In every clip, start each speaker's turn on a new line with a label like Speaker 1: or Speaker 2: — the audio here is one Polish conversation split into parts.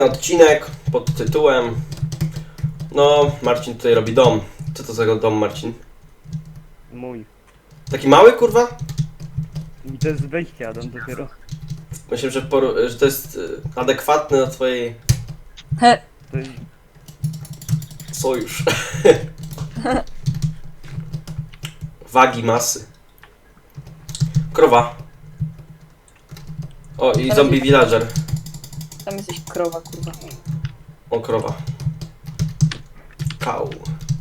Speaker 1: Odcinek pod tytułem no, Marcin tutaj robi dom. Co to za dom, Marcin?
Speaker 2: Mój.
Speaker 1: Taki mały, kurwa?
Speaker 2: I to jest wejście, Adam, dopiero.
Speaker 1: Myślę, że to jest adekwatne do twojej
Speaker 2: To jest...
Speaker 1: sojusz. Wagi, masy. Krowa. O, i zombie villager.
Speaker 3: Tam jesteś krowa, kurwa.
Speaker 1: O, krowa. Kał.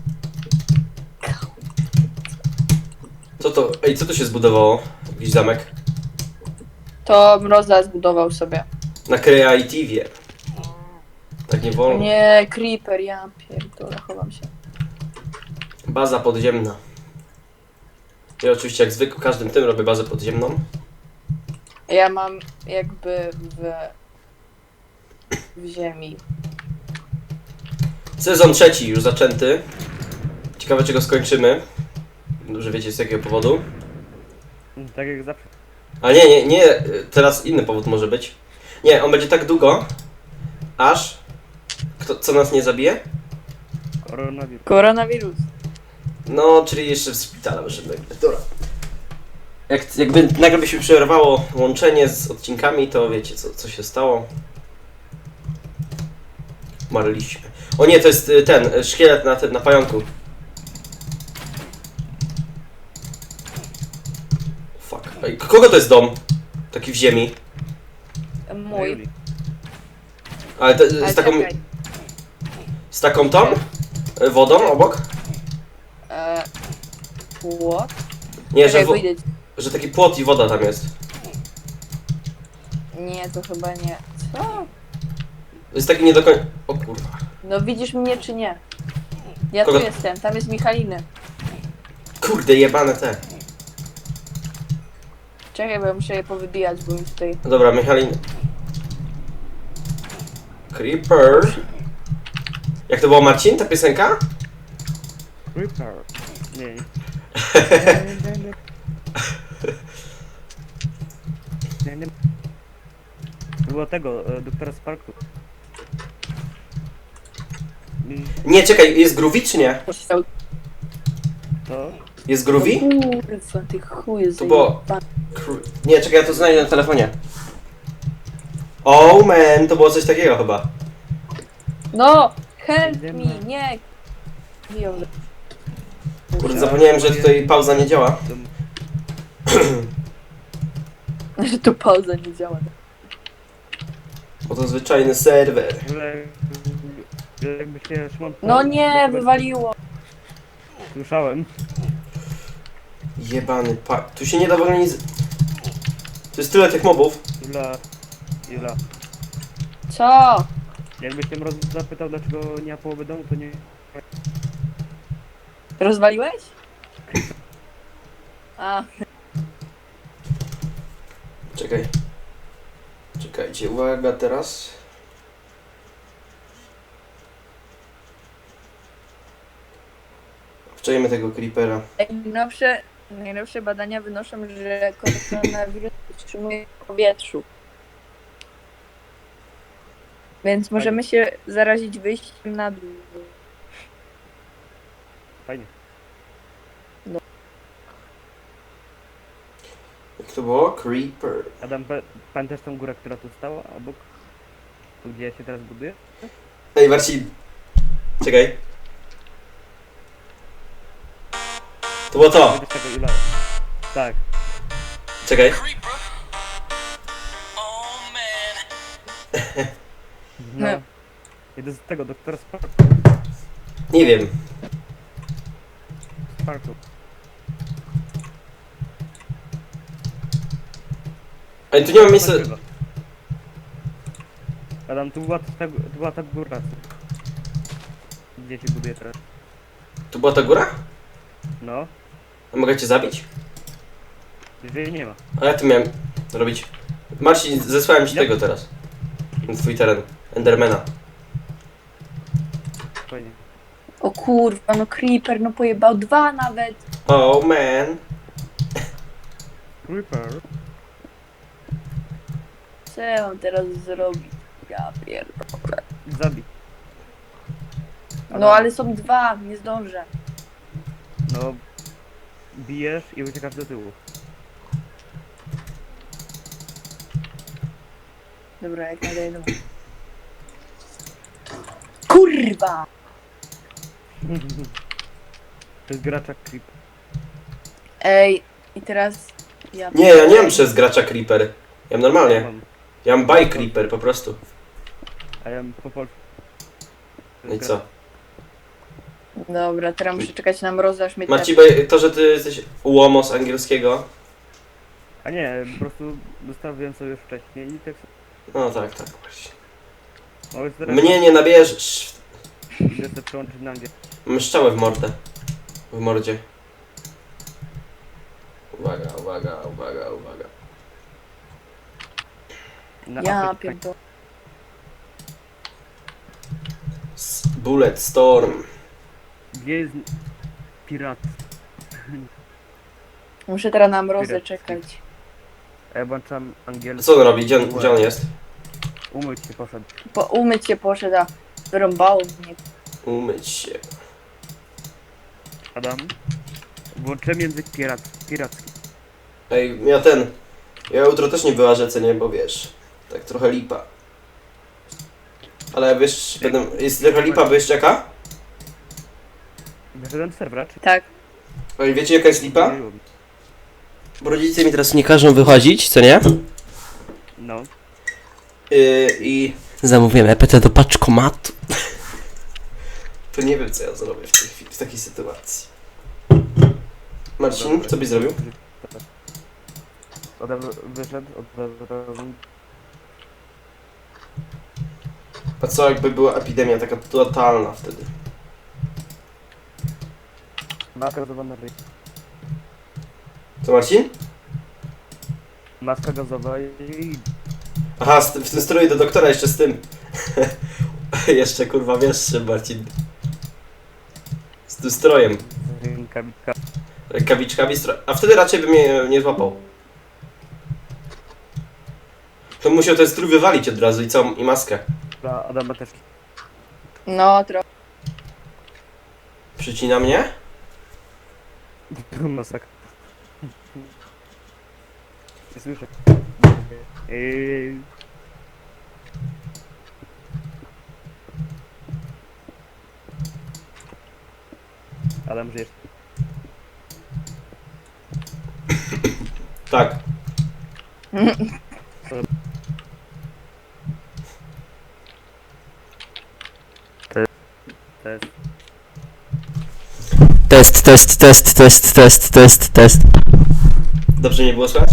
Speaker 1: Co to? Ej, co to się zbudowało? Jakiś zamek?
Speaker 3: To Mroza zbudował sobie.
Speaker 1: Na Creative'ie. Tak nie wolno.
Speaker 3: Nie, Creeper, ja pierdolę, chowam się.
Speaker 1: Baza podziemna. Ja oczywiście jak zwykle każdym tym robię bazę podziemną.
Speaker 3: Ja mam jakby w ziemi.
Speaker 1: Sezon trzeci już zaczęty. Ciekawe czego skończymy. Dobrze wiecie z jakiego powodu.
Speaker 2: Tak jak zawsze.
Speaker 1: A nie, teraz inny powód może być. Nie, on będzie tak długo, aż... co nas nie zabije?
Speaker 2: Koronawirus.
Speaker 3: Koronawirus.
Speaker 1: No, czyli jeszcze w szpitalu możemy. Dobra. Jakby nagle by się przerwało łączenie z odcinkami, to wiecie co się stało. Umarliśmy. O nie, to jest ten szkielet na pająku. Fuck. Ej, kogo to jest dom? Taki w ziemi.
Speaker 3: Mój.
Speaker 1: Ale
Speaker 3: Ale
Speaker 1: z taką...
Speaker 3: czekaj.
Speaker 1: Z taką tą? Wodą obok?
Speaker 3: Płot?
Speaker 1: Nie,
Speaker 3: Czekaj, wyjdę.
Speaker 1: że taki płot i woda tam jest.
Speaker 3: Nie, to chyba nie. Co?
Speaker 1: Jest taki nie do końca... O kurwa.
Speaker 3: No widzisz mnie czy nie? Ja
Speaker 1: Kogo?
Speaker 3: tu jestem, tam jest Michaliny.
Speaker 1: Kurde, jebane te.
Speaker 3: Czekaj, bo ja muszę je powybijać, bo mi tutaj...
Speaker 1: No dobra, Michalin. Creeper. Jak to było, Marcin, ta piosenka?
Speaker 2: Creeper. Nie. Nie. Było tego, doktora Sparku.
Speaker 1: Nie, czekaj, jest Groovy czy nie?
Speaker 2: To?
Speaker 1: Jest Groovy?
Speaker 3: Kurwa, ty chuje
Speaker 1: To było...
Speaker 3: zajebany.
Speaker 1: Nie, czekaj, ja to znajdę na telefonie. Oh man, to było coś takiego chyba.
Speaker 3: No! Help me, nie! Wyjął.
Speaker 1: Kurde, zapomniałem, że tutaj pauza nie działa.
Speaker 3: Że tu pauza nie działa.
Speaker 1: Bo to zwyczajny serwer.
Speaker 2: Jakby się Szymon...
Speaker 3: No nie, wywaliło.
Speaker 2: Słyszałem.
Speaker 1: Jebany tu się nie da w ogóle nic... Tu jest tyle tych mobów.
Speaker 2: Jula.
Speaker 3: Co?
Speaker 2: Jakbyś się Mroz zapytał, dlaczego nie ma połowy domu, to nie...
Speaker 3: Rozwaliłeś? A,
Speaker 1: Czekaj. Czekajcie, uwaga teraz. Wczajemy tego creepera.
Speaker 3: najnowsze badania wynoszą, że koronawirus utrzymuje w powietrzu. Więc możemy się zarazić wyjściem na dół.
Speaker 2: Fajnie.
Speaker 1: Jak to było? Creeper.
Speaker 2: Adam, pamiętasz tą górę, która tu stała obok? Tu gdzie ja się teraz buduję?
Speaker 1: Ej, Marcin. Czekaj. To było to.
Speaker 2: Pamiętasz tego Jula? Tak.
Speaker 1: Czekaj.
Speaker 2: No.
Speaker 3: Nie.
Speaker 2: Jeden z tego, doktora Sparku.
Speaker 1: Nie wiem. Ej, tu nie ma miejsca...
Speaker 2: Adam, tu była ta góra. Gdzie się buduje teraz?
Speaker 1: Tu była ta góra?
Speaker 2: No.
Speaker 1: A mogę cię zabić?
Speaker 2: Jeżeli nie ma.
Speaker 1: A ja tu miałem robić... Marcin, zesłałem ci
Speaker 2: Ja-
Speaker 1: tego teraz. Na twój teren. Endermana.
Speaker 2: Fajnie.
Speaker 3: O kurwa, no Creeper, no pojebał 2 nawet.
Speaker 1: Oh man.
Speaker 2: Creeper.
Speaker 3: Co ja mam teraz zrobić? Ja pierdolę.
Speaker 2: Zabij.
Speaker 3: No ale są dwa, nie zdążę.
Speaker 2: No, bijesz i uciekasz do tyłu.
Speaker 3: Dobra, jak najdę jedną. Kurwa!
Speaker 2: To jest gracza creep.
Speaker 3: Ej, i teraz...
Speaker 1: Nie, ja nie mam przez gracza Creeper. Ja mam normalnie.
Speaker 2: Mam.
Speaker 1: Ja mam by Creeper po prostu.
Speaker 2: A ja po polsku. To
Speaker 1: No i
Speaker 2: jest
Speaker 1: co?
Speaker 3: Dobra, teraz muszę czekać na mrozy, aż mnie
Speaker 1: Marcin, bo to, że ty jesteś łomo z angielskiego.
Speaker 2: A nie, po prostu dostawiłem sobie już wcześniej i tak
Speaker 1: No tak, tak. Właśnie.
Speaker 2: mogę teraz
Speaker 1: Mnie nie nabierzesz.
Speaker 2: idę sobie przełączyć na mnie.
Speaker 1: Mam szczałę w mordę. W mordzie. Uwaga, uwaga, uwaga, uwaga.
Speaker 2: Na
Speaker 3: Ja
Speaker 2: Afrykę.
Speaker 3: pierdolę.
Speaker 1: Bullet Storm.
Speaker 2: Gdzie jest pirat?
Speaker 3: Muszę teraz na mrozę
Speaker 2: Piracki.
Speaker 3: czekać.
Speaker 2: A ja włączam angielski.
Speaker 1: Co on robi? Gdzie on jest?
Speaker 2: Umyć się poszedł.
Speaker 3: Umyć się poszedł, a wyrąbało mnie.
Speaker 1: Umyć się.
Speaker 2: Adam. Włączyłem język piracki.
Speaker 1: Ej, ja jutro też nie wyłażę, co nie, bo wiesz, tak trochę lipa. Ale wiesz, jest trochę lipa, bo jeszcze jaka?
Speaker 2: Wyszedłem z serwera, czy
Speaker 3: Tak.
Speaker 1: Ej, wiecie jaka jest lipa?
Speaker 2: nie było mi?
Speaker 1: Bo rodzice mi teraz nie każą wychodzić, co nie?
Speaker 2: No.
Speaker 1: I zamówiłem EPT do paczkomatu. To nie wiem, co ja zrobię w tej chwili, w takiej sytuacji. Marcin, co byś zrobił?
Speaker 2: Adam wyszedł od razu.
Speaker 1: A co jakby była epidemia taka totalna wtedy?
Speaker 2: Maska gazowa na ryj.
Speaker 1: Co, Marcin?
Speaker 2: Maska gazowa i...
Speaker 1: Aha, w tym stroju do doktora jeszcze z tym. Jeszcze kurwa wiesz, Marcin. Z tym strojem.
Speaker 2: rękawiczka.
Speaker 1: Rękawiczkami a wtedy raczej by mnie nie złapał. To musiał ten strój wywalić od razu i maskę.
Speaker 2: Dla Adama też.
Speaker 3: No, trochę.
Speaker 1: Przycina mnie?
Speaker 2: Masakra. Nie słyszę. Adam, żyjesz?
Speaker 1: Tak.
Speaker 2: To jest...
Speaker 1: Test. Dobrze nie było słychać?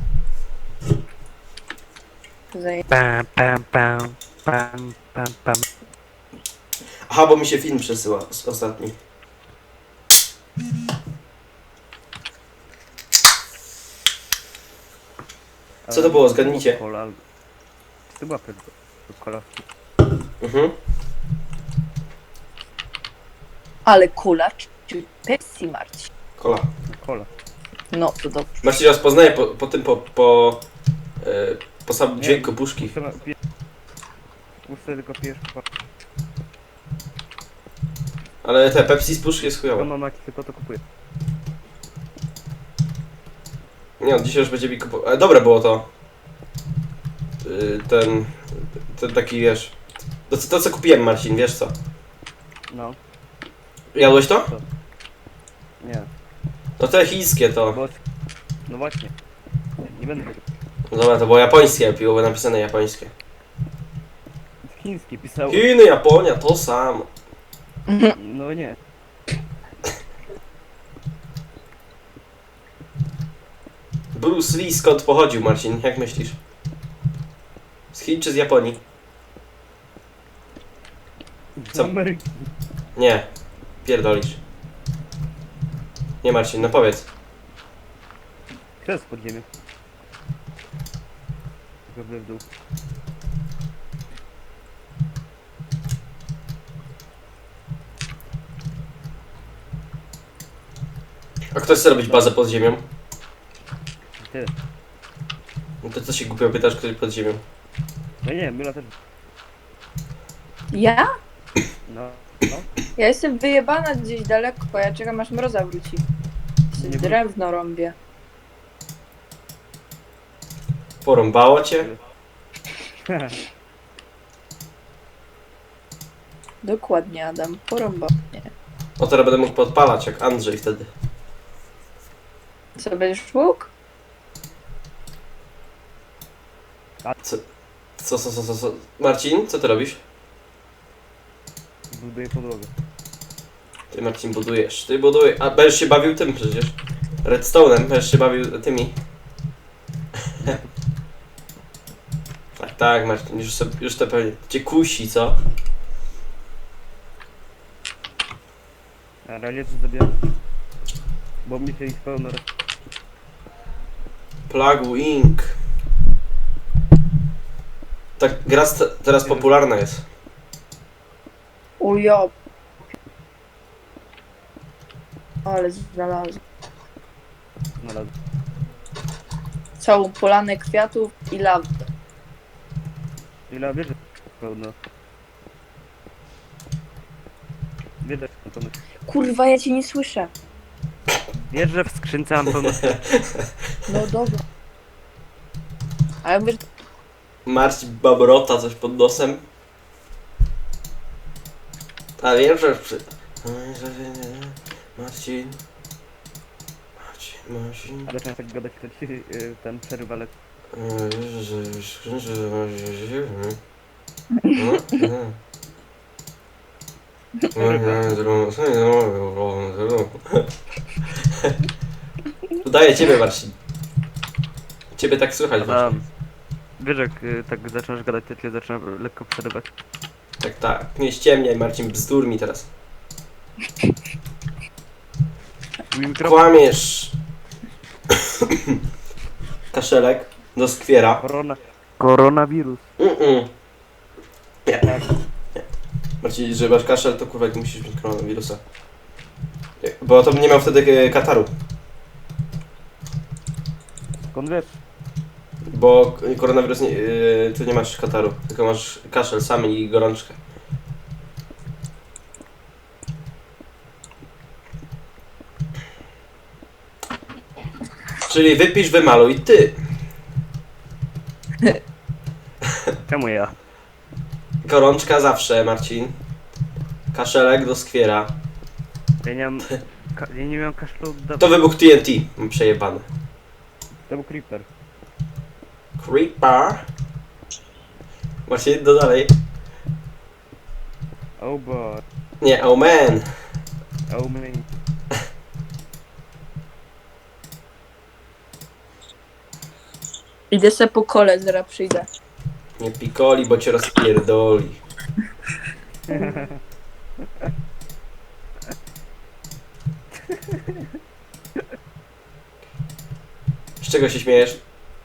Speaker 2: Pam, pam, pam, pam, pam, pam.
Speaker 1: Aha, bo mi się film przesyła ostatni. Co to było? Zgadnijcie.
Speaker 2: Cola. To była kola.
Speaker 1: Mhm.
Speaker 3: Ale kulacz czy Pepsi, Marcin?
Speaker 1: Kola.
Speaker 2: Kola.
Speaker 3: No, to dobrze.
Speaker 1: Marcin rozpoznaje po tym po samym dźwięku puszki.
Speaker 2: Muszę tylko pijesz kola.
Speaker 1: Ale te Pepsi z puszki jest chujowe.
Speaker 2: Mam jaki tylko to kupuję.
Speaker 1: Nie, on dzisiaj już będzie mi kupował. Ale dobre było to. Ten taki, wiesz... To co kupiłem, Marcin, wiesz co?
Speaker 2: No.
Speaker 1: Jadłeś to?
Speaker 2: Nie.
Speaker 1: No te chińskie to.
Speaker 2: Bo... No właśnie. Nie będę tego.
Speaker 1: No dobra, to było japońskie, było napisane japońskie.
Speaker 2: Chiński pisał.
Speaker 1: Chiny, Japonia, to samo.
Speaker 2: No nie.
Speaker 1: Bruce Lee skąd pochodził, Marcin? Jak myślisz? Z Chin czy z Japonii?
Speaker 2: Z
Speaker 1: Co?
Speaker 2: Ameryki.
Speaker 1: Nie. Pierdolisz. Nie, Marcin, no powiedz.
Speaker 2: Kres pod ziemię. Tylko w dół.
Speaker 1: A kto chce robić bazę pod ziemią?
Speaker 2: Ty.
Speaker 1: No to co się głupio pytasz, ktoś pod ziemią?
Speaker 2: No nie, Myla też.
Speaker 3: Ja?
Speaker 2: No.
Speaker 3: Ja jestem wyjebana gdzieś daleko, ja czekam aż mroza wróci.
Speaker 2: Nie
Speaker 3: Drewno rąbię.
Speaker 1: Porąbało cię?
Speaker 3: Dokładnie, Adam. Porąbał mnie.
Speaker 1: O, teraz będę mógł podpalać jak Andrzej wtedy.
Speaker 3: Co, będziesz łuk?
Speaker 1: Co? Marcin, co ty robisz?
Speaker 2: Buduję podłogę.
Speaker 1: Ty, Marcin, budujesz. Ty budujesz. A będziesz się bawił tym przecież. Redstone'em, będziesz się bawił tymi. Tak, Marcin, już to pewnie cię kusi, co?
Speaker 2: A realnie to zabieram. Bo mi się ich pełno...
Speaker 1: Plague Inc. Tak, gra teraz popularna jest.
Speaker 3: Ujo. Ale znalazłem.
Speaker 2: Znalazłem.
Speaker 3: Całą polanę kwiatów i lawy.
Speaker 2: Ile wierzę pełno. Wierzę w pełno.
Speaker 3: Kurwa, ja cię nie słyszę.
Speaker 2: Wierzę w skrzynce mam pełno.
Speaker 3: No dobra. Ale mówię,
Speaker 1: Marcin babrota coś pod nosem. A wiem, że przy... Marcin.
Speaker 2: Ale często tak gadać, to ci ten przerywa, ale...
Speaker 1: Udaję ciebie, Marcin. Ciebie tak słychać właśnie.
Speaker 2: Adam, wiesz jak tak zaczynasz gadać, to cię zaczyna lekko przerywać.
Speaker 1: Tak. Nie ściemniaj, Marcin, bzdur mi teraz.
Speaker 2: Mój mikrofon...
Speaker 1: Kłamiesz. Kaszelek do skwiera.
Speaker 2: Koronawirus.
Speaker 1: Nie. Marcin, że masz kaszel, to kurwa, jak musisz mieć koronawirusa. Bo to bym nie miał wtedy kataru.
Speaker 2: Skąd wiesz?
Speaker 1: Bo koronawirus nie, tu nie masz kataru, tylko masz kaszel sam i gorączkę. Czyli wypisz, wymaluj ty.
Speaker 2: Czemu ja?
Speaker 1: Gorączka zawsze, Marcin. Kaszelek do skwiera.
Speaker 2: Ja nie mam... Ja nie miałem kaszlu od
Speaker 1: To wybuch TNT. Mam przejebane.
Speaker 2: To był creeper.
Speaker 1: Creeper. Marcin, do dalej.
Speaker 2: Oh boy.
Speaker 1: Nie, oh man.
Speaker 2: Oh man.
Speaker 3: idę se po kole, zaraz przyjdę.
Speaker 1: Nie pikoli, bo cię rozpierdoli. Z czego się śmiejesz?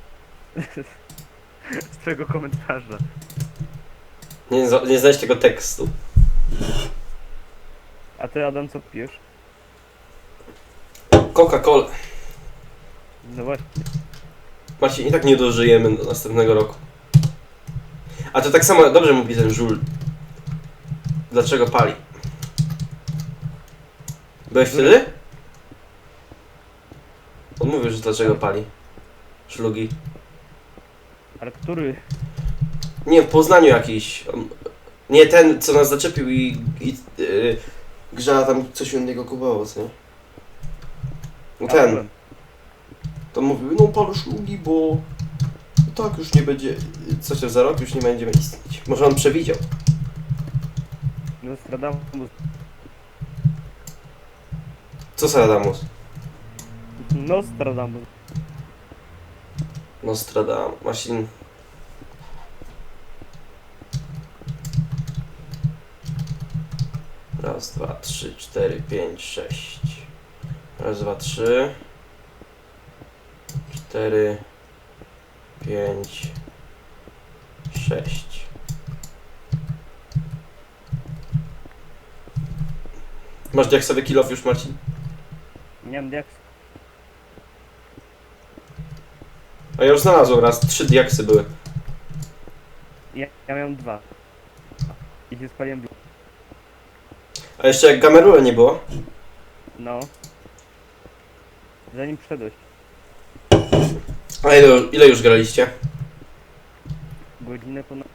Speaker 2: Z twojego komentarza.
Speaker 1: Nie znałeś tego tekstu.
Speaker 2: A ty, Adam, co pijesz?
Speaker 1: Coca-Cola.
Speaker 2: No właśnie.
Speaker 1: Marcin, i tak nie dożyjemy do następnego roku. A to tak samo, dobrze mówi ten żul. Dlaczego pali? Byłeś wtedy? On mówił, że dlaczego pali. Szlugi.
Speaker 2: Ale który?
Speaker 1: Nie, w Poznaniu jakiś. Nie ten, co nas zaczepił Grzała tam coś innego kupował, co nie? No ten.
Speaker 2: byłem.
Speaker 1: To mówił, no palę szlugi, bo tak już nie będzie, coś tam za rok już nie będziemy istnieć. Może on przewidział.
Speaker 2: Nostradamus.
Speaker 1: Co Saradamus?
Speaker 2: Nostradamus.
Speaker 1: Nostradamus. Marcin. Raz, dwa, trzy, cztery, pięć, sześć. Raz, dwa, trzy. 4, 5, 6. Masz diaksowy kill off już, Marcin?
Speaker 2: Nie mam diaks.
Speaker 1: A ja już znalazłem raz, 3 diaksy były.
Speaker 2: Ja miałem 2. I się spaliłem.
Speaker 1: A jeszcze jak Gamerule nie było?
Speaker 2: No. Zanim przyszedłeś.
Speaker 1: A ile już graliście?
Speaker 2: Godzinę ponad...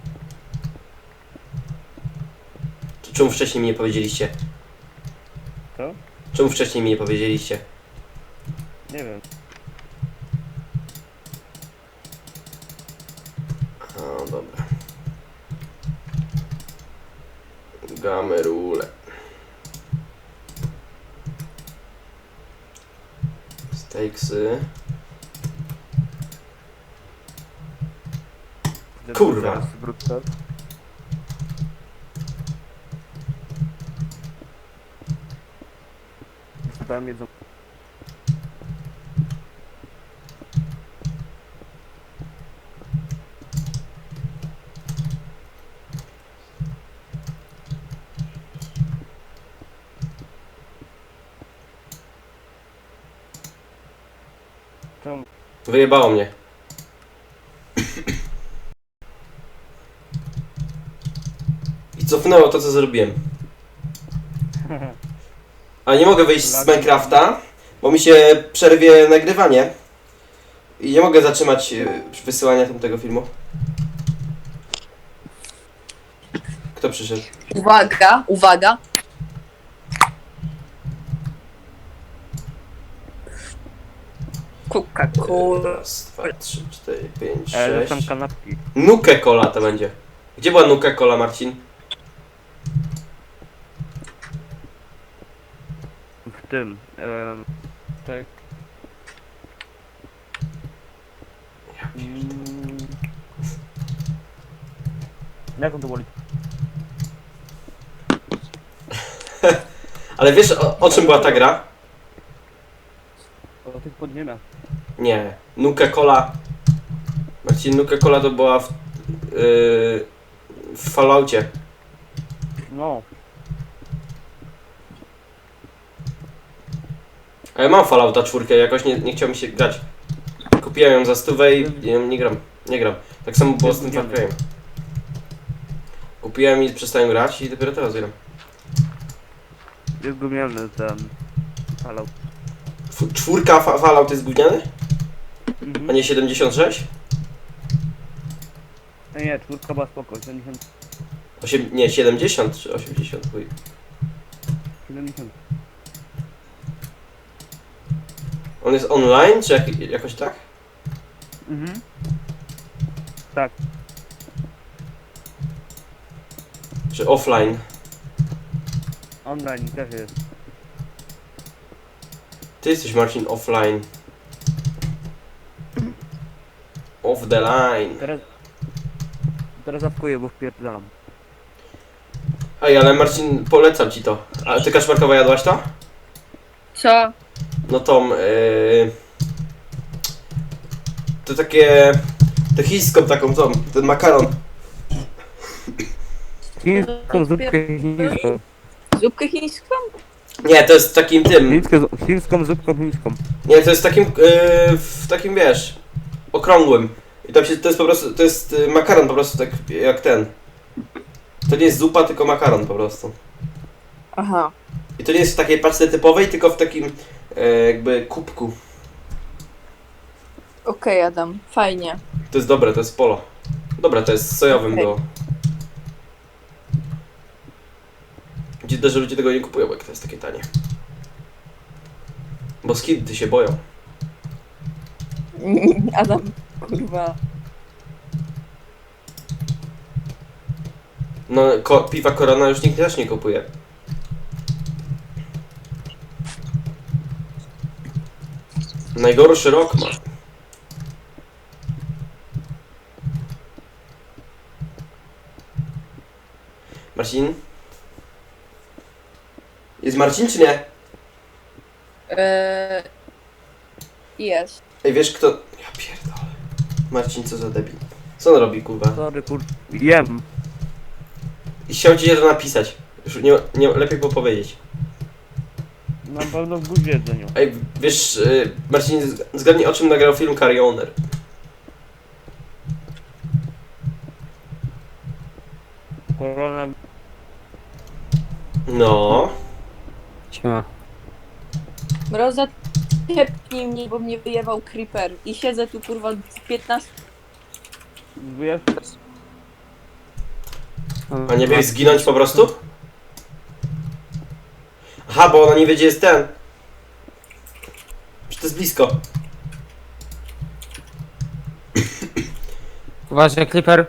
Speaker 1: Czemu wcześniej mi nie powiedzieliście?
Speaker 2: Co?
Speaker 1: Czemu wcześniej mi nie powiedzieliście?
Speaker 2: Nie wiem.
Speaker 1: O, dobra. Gamerule. Steaksy. Kurwa.
Speaker 2: Teraz wrócę. Wysypałem jedzą. Czemu?
Speaker 1: Wyjebało mnie. I cofnęło to, co zrobiłem. A nie mogę wyjść z Minecrafta, bo mi się przerwie nagrywanie. I nie mogę zatrzymać wysyłania tamtego filmu. Kto przyszedł?
Speaker 3: Uwaga, uwaga. Coca-Cola.
Speaker 1: Raz, 2, 3, 4, 5,
Speaker 2: Ale tam
Speaker 1: 6.
Speaker 2: kanapki.
Speaker 1: Nuke Cola to będzie. Gdzie była Nuke Cola, Marcin?
Speaker 2: W tym. Tak. Jak on to woli?
Speaker 1: Ale wiesz o czym była ta gra?
Speaker 2: O tych podziemiach.
Speaker 1: Nie. Nuke Cola. Marcin, Nuke Cola to była w Falloutie.
Speaker 2: No.
Speaker 1: A ja mam Fallouta 4, jakoś nie chciał mi się grać. Kupiłem ją za 100 i nie gram. Nie gram. Tak samo było z tym Far Cry'em. Kupiłem i przestałem grać i dopiero teraz gram.
Speaker 2: Jest gówniany ten Fallout.
Speaker 1: Czwórka Fallout jest gówniany?
Speaker 2: Mhm.
Speaker 1: A nie 76?
Speaker 2: Nie, czwórka była spoko, 70.
Speaker 1: Nie, 70 czy 80, chuj.
Speaker 2: 70.
Speaker 1: On jest online, czy jakoś tak?
Speaker 2: Mhm. Tak.
Speaker 1: Czy offline?
Speaker 2: Online też jest.
Speaker 1: Ty jesteś, Marcin, offline. Off the line.
Speaker 2: Teraz zapkuję, bo wpierdalam.
Speaker 1: Ej, ale Marcin, polecam ci to. A ty, Kaszmarkowa, jadłaś to?
Speaker 3: Co?
Speaker 1: No tą, to takie... To chińską taką, tą, ten makaron.
Speaker 2: Chińską zupkę chińską.
Speaker 3: Zupkę chińską?
Speaker 1: Nie, to jest takim tym...
Speaker 2: Chińską zupką chińską.
Speaker 1: Nie, to jest takim, w takim, wiesz, okrągłym. I tam się, to jest po prostu, to jest makaron po prostu, tak jak ten. To nie jest zupa, tylko makaron po prostu.
Speaker 3: Aha.
Speaker 1: I to nie jest w takiej paczce typowej, tylko w takim, jakby kubku.
Speaker 3: Okej, Adam. Fajnie.
Speaker 1: To jest dobre, to jest polo. Dobra, to jest z sojowym
Speaker 3: Okej.
Speaker 1: do... Dziwne, że ludzie tego nie kupują, bo jak to jest takie tanie. Bo skidy się boją.
Speaker 3: Adam, kurwa.
Speaker 1: No, piwa Corona już nikt też nie kupuje. Najgorszy rok ma. Marcin? Jest Marcin czy nie?
Speaker 3: Jest.
Speaker 1: Ej, wiesz kto... Ja pierdolę. Marcin, co za debil. Co on robi, kurwa?
Speaker 2: Sorry, jem.
Speaker 1: I chciał ci to napisać. Już nie lepiej było powiedzieć.
Speaker 2: Na pewno w budzie jedzeniu.
Speaker 1: Ej, wiesz, Marcin, zgadnij o czym nagrał film Carry Owner.
Speaker 2: Korona...
Speaker 1: No.
Speaker 4: Siema.
Speaker 3: Mroza, tepnij mnie, bo mnie wyjewał creeper. I siedzę tu kurwa 15...
Speaker 2: Wiesz,
Speaker 1: A nie biegł zginąć po prostu? Aha, bo ona nie wie, gdzie jest ten. Że to jest blisko.
Speaker 4: Uważaj, Clipper.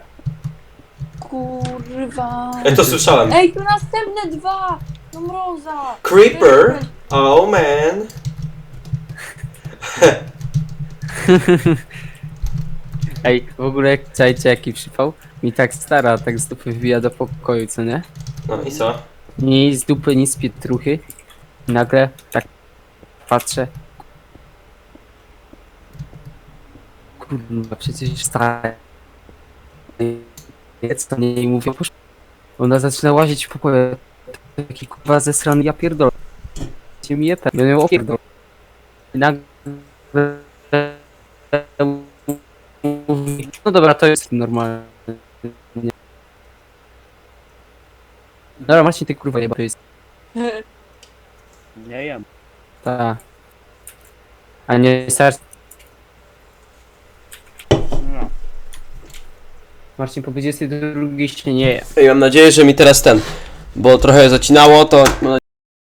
Speaker 3: Kurwa.
Speaker 1: Ja to słyszałem.
Speaker 3: Ej, tu następne 2! No Mroza!
Speaker 1: Creeper? Oh man.
Speaker 4: Ej, w ogóle jak czajcie jaki przypał? Mi tak stara, tak z dupy wbija do pokoju, co nie?
Speaker 1: No i co?
Speaker 4: Ni z dupy, ni z pietruchy. Nagle tak patrzę. Kurwa, przecież stara. Jest to nie i mówię, ona zaczyna łazić w pokoju. Taki kurwa zesrany, ja pierdolę. Cię mi je ten, ja ją opierdolę. I nagle mówi, no dobra, to jest normalne. Dobra, Marcin, ty kurwa jeba, to jest
Speaker 2: nie jem.
Speaker 4: ta. A nie starczy.
Speaker 2: No.
Speaker 4: Marcin, po 22 się nie je.
Speaker 1: Ej, mam nadzieję, że mi teraz ten. Bo trochę zacinało, to.